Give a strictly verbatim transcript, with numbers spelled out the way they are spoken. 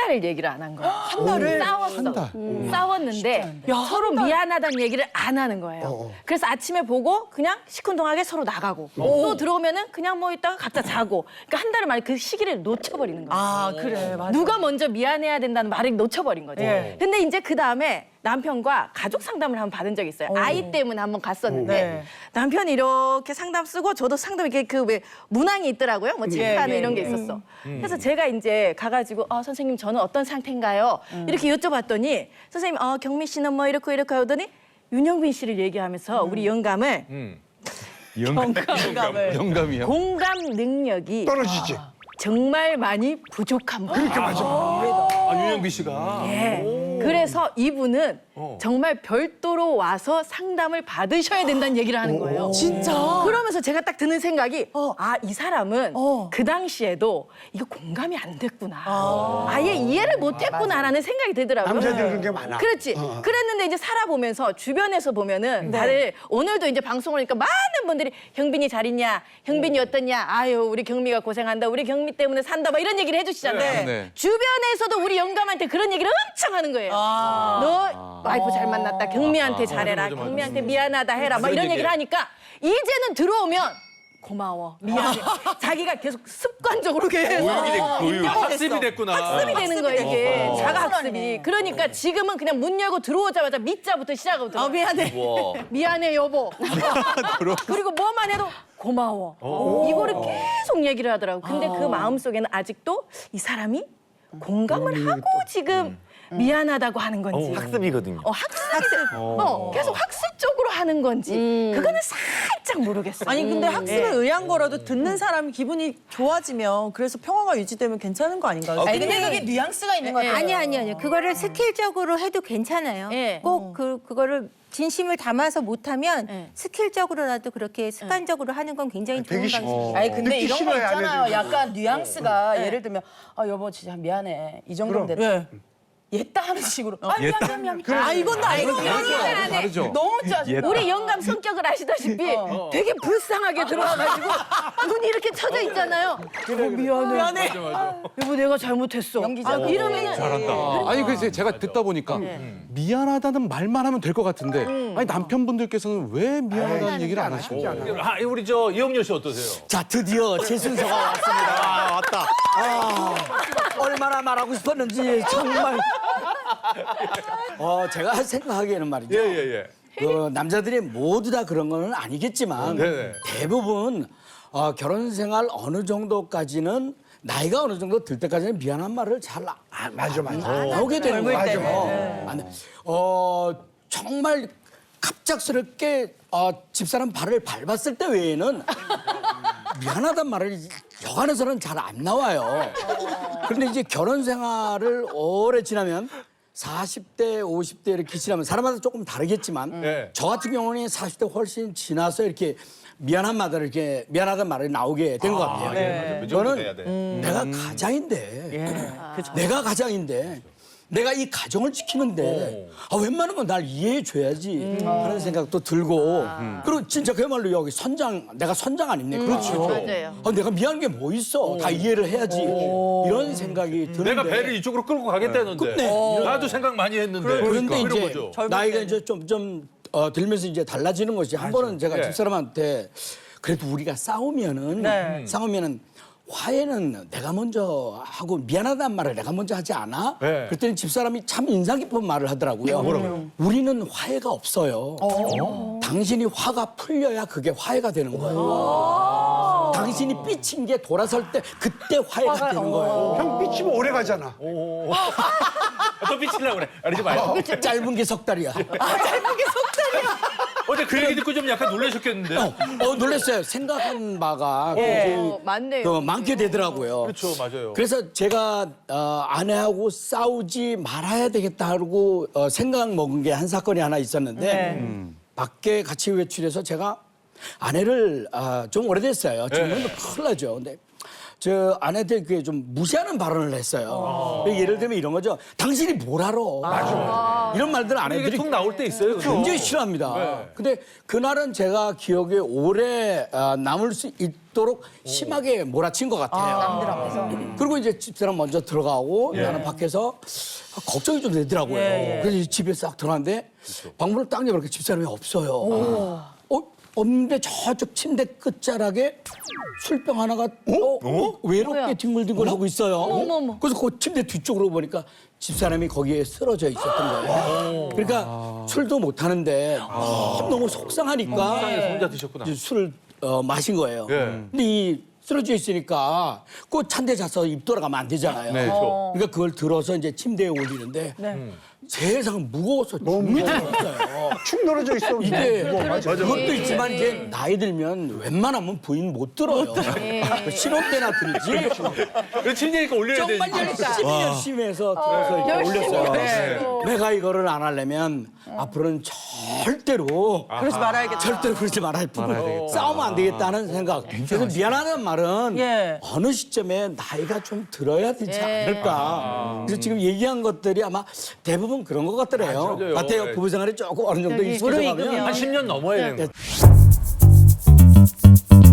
달을 얘기를 안 한 거야. 한 달을? 싸웠어. 한 달. 음. 싸웠는데 야, 서로 한 달. 미안하다는 얘기를 안 하는 거예요. 어, 어. 그래서 아침에 보고 그냥 시큰둥하게 서로 나가고 또 들어오면은 그냥 뭐 있다가 각자 자고. 그러니까 한 달을 만에 그 시기를 놓쳐버리는 거야. 아, 그래. 맞아. 누가 먼저 미안해야 된다는 말을 놓쳐버린 거지. 예. 근데 이제 그 다음에 남편과 가족 상담을 한번 받은 적이 있어요. 아이 때문에 한번 갔었는데 네. 남편이 이렇게 상담 쓰고 저도 상담 이렇게 그 왜 문항이 있더라고요. 뭐 체크하는 예, 이런 게 예. 있었어. 그래서 제가 이제 가가지고 어, 선생님 저는 어떤 상태인가요? 이렇게 여쭤봤더니 선생님 어, 경미 씨는 뭐 이렇고 이렇게 하더니 윤영빈 씨를 얘기하면서 우리 영감을 음. 영감을. 영감이요? 공감 능력이 떨어지지. 정말 많이 부족한 분. 그렇게 맞아. 아, 윤영비 씨가. 예. 그래서 이분은 어. 정말 별도로 와서 상담을 받으셔야 된다는 얘기를 하는 거예요. 진짜? 그러면서 제가 딱 드는 생각이 어. 아, 이 사람은 어. 그 당시에도 이거 공감이 안 됐구나. 아예 이해를 못 했구나라는 생각이 들더라고요. 남자들 그런 게 많아. 그렇지. 어. 그랬는데 이제 살아보면서 주변에서 보면은 다들 오늘도 이제 방송을 하니까 많은 분들이 경빈이 잘 있냐? 경빈이 어떻냐? 아유, 우리 경미가 고생한다. 우리 경미 때문에 산다. 막 이런 얘기를 해주시잖아요. 네. 네. 주변에서도 우리 영감한테 그런 얘기를 엄청 하는 거예요. 아. 너 와이프 잘 만났다. 경미한테 잘해라. 맞아, 맞아. 경미한테 미안하다 해라. 막 그런 이런 얘기를 얘기예요. 하니까 이제는 들어오면 고마워. 미안해. 자기가 계속 습관적으로 계속 교육이 됐, 교육. 인정이 학습이 됐어. 됐구나. 학습이 되는 거예요, 이게. 됐고. 자가 학습이. 습관이네. 그러니까 지금은 그냥 문 열고 들어오자마자 밑자부터 시작하거든요. 아, 미안해. 와. 미안해, 여보. 그리고 뭐만 해도 고마워. 이거를 계속 얘기를 하더라고. 근데 그 마음속에는 아직도 이 사람이 공감을 하고 지금 미안하다고 하는 건지. 학습이거든요. 어, 학습. 어, 계속 학습적으로 하는 건지. 그거는 살짝 모르겠어요. 아니 근데 학습에 네. 의한 거라도 듣는 사람이 기분이 좋아지면 그래서 평화가 유지되면 괜찮은 거 아닌가요? 아, 근데 근데 그게 뉘앙스가 있는 예, 거예요. 아니 아니 아니 그거를 스킬적으로 해도 괜찮아요. 예. 꼭 그 그거를 진심을 담아서 못하면 예. 스킬적으로라도 그렇게 습관적으로 하는 건 굉장히 좋은 되게 쉽- 방법이에요. 아니 근데 듣기 이런 거 싫어요, 안 있잖아요. 해도. 약간 뉘앙스가 예를 들면 아 여보 진짜 미안해 이 정도면 그럼. 됐다. 얘따 하는 식으로 아 미안 미안 미안. 미안. 아 이건 나 이건 다르죠. 다르죠. 너무 짜증. 우리 영감 성격을 아시다시피 되게 불쌍하게 들어와가지고 눈이 이렇게 쳐져 있잖아요. 여보 미안해. 미안해. 여보 내가 잘못했어. 연기자. 아, 이러면은 잘한다. 아니 그래서 제가 듣다 보니까 미안하다는 말만 하면 될 것 같은데 아니 남편분들께서는 왜 미안하다는 얘기를 안 하시고? 아, 우리 저 이영렬 씨 어떠세요? 자, 드디어 제 순서가 왔습니다. 아, 왔다. 아, 얼마나 말하고 싶었는지 정말. 어, 제가 생각하기에는 말이죠. 예, 예, 예. 그 남자들이 모두 다 그런 건 아니겠지만 네네. 대부분 어, 결혼 생활 어느 정도까지는 나이가 어느 정도 들 때까지는 미안한 말을 잘 아, 아, 맞아, 맞아. 안 나오게 되는 거예요. 맞아. 안 돼. 어, 정말 갑작스럽게 어, 집사람 발을 밟았을 때 외에는 미안하단 말을 여간에서는 잘 안 나와요. 그런데 이제 결혼 생활을 오래 지나면 사십 대, 오십 대 이렇게 지나면 사람마다 조금 다르겠지만 네. 저 같은 경우는 사십 대 훨씬 지나서 이렇게 미안한 말을 이렇게 미안하다는 말이 나오게 된 것 같아요. 네. 그 정도 돼야 돼. 저는 내가 가장인데, 내가 가장인데, 내가 이 가정을 지키는데 아, 웬만한 건 날 이해해 줘야지 하는 생각도 들고 그리고 진짜 그야말로 여기 선장, 내가 선장 아닙니까? 그렇죠. 맞아요. 아, 내가 미안한 게 뭐 있어? 다 이해를 해야지 이런 생각이 드는데 내가 배를 이쪽으로 끌고 가겠다는데. 네. 나도 생각 많이 했는데. 그런데 이런 이제 거죠. 나이가 이제 좀, 좀 어, 들면서 이제 달라지는 것이 한 번은 제가 예. 집사람한테 그래도 우리가 싸우면은 네. 싸우면은 화해는 내가 먼저 하고 미안하다는 말을 내가 먼저 하지 않아? 네. 그랬더니 집사람이 참 인상 깊은 말을 하더라고요. 뭐라고요? 우리는 화해가 없어요. 당신이 화가 풀려야 그게 화해가 되는 거예요. 당신이 삐친 게 돌아설 때 그때 화해가 되는 거예요. 형 삐치면 오래 가잖아. 아, 또 삐치려고 그래. 아니지 말고. 짧은 게 석 달이야. 어제 그 얘기 듣고 좀 약간 놀라셨겠는데. 어, 어, 놀랐어요. 생각한 바가 어, 맞네요. 그 많게 되더라고요. 그렇죠, 맞아요. 그래서 제가 어, 아내하고 싸우지 말아야 되겠다 하고 어, 생각 먹은 게 한 사건이 하나 있었는데 음. 밖에 같이 외출해서 제가 아내를 아, 좀 오래됐어요. 지금은 큰일 나죠. 근데 저 아내한테 그게 좀 무시하는 발언을 했어요. 예를 들면 이런 거죠. 당신이 뭘 알아? 맞아. 이런 말들 이게 아내들이 툭 나올 때 있어요. 굉장히 싫어합니다. 네. 근데 그날은 제가 기억에 오래 아, 남을 수 있, 있도록 심하게 몰아친 것 같아요. 남들 앞에서. 그리고 이제 집사람 먼저 들어가고 나는 밖에서 걱정이 좀 되더라고요. 예, 예. 그래서 이제 집에 싹 들어갔는데 방문을 딱 열니까 집사람이 없어요. 어? 없는데 저쪽 침대 끝자락에 술병 하나가 어? 외롭게 뒹굴뒹굴 하고 있어요. 어머. 그래서 그 침대 뒤쪽으로 보니까 집사람이 거기에 쓰러져 있었던 거예요. 그러니까 술도 못 하는데 너무, 너무 속상하니까 세상에서 혼자 드셨구나. 이제 술을 어, 마신 거예요. 예. 근데 이 쓰러져 있으니까 그 찬데 자서 입 돌아가면 안 되잖아요. 네. 그러니까 그걸 들어서 이제 침대에 올리는데 세상 무거워서 죽는 줄 알았어요. 축 늘어져 있어. 이게 뭐, 맞아. 그것도 있지만 이제 나이 들면 웬만하면 부인 못 들어요. 신혼 때나 들지. 그 침대니까 올려야 정말 되니까. 열심히 열심히 해서 들어서 이렇게 열심히 올렸어요. 올렸어요. 내가 이거를 안 하려면 앞으로는 절대로 그러지 말아야겠다. 절대로 그러지 말아야 돼. 싸우면 안 되겠다는 생각. 그래서 미안하다는 말은 예. 어느 시점에 나이가 좀 들어야 되지 않을까. 그래서 지금 얘기한 것들이 아마 대부분 그런 것 같더래요. 맞아요. 같아요. 네. 부부 생활이 조금 어느 정도 익숙해져 무르익으면. 가면 한 십 년 넘어야 되는 거예요.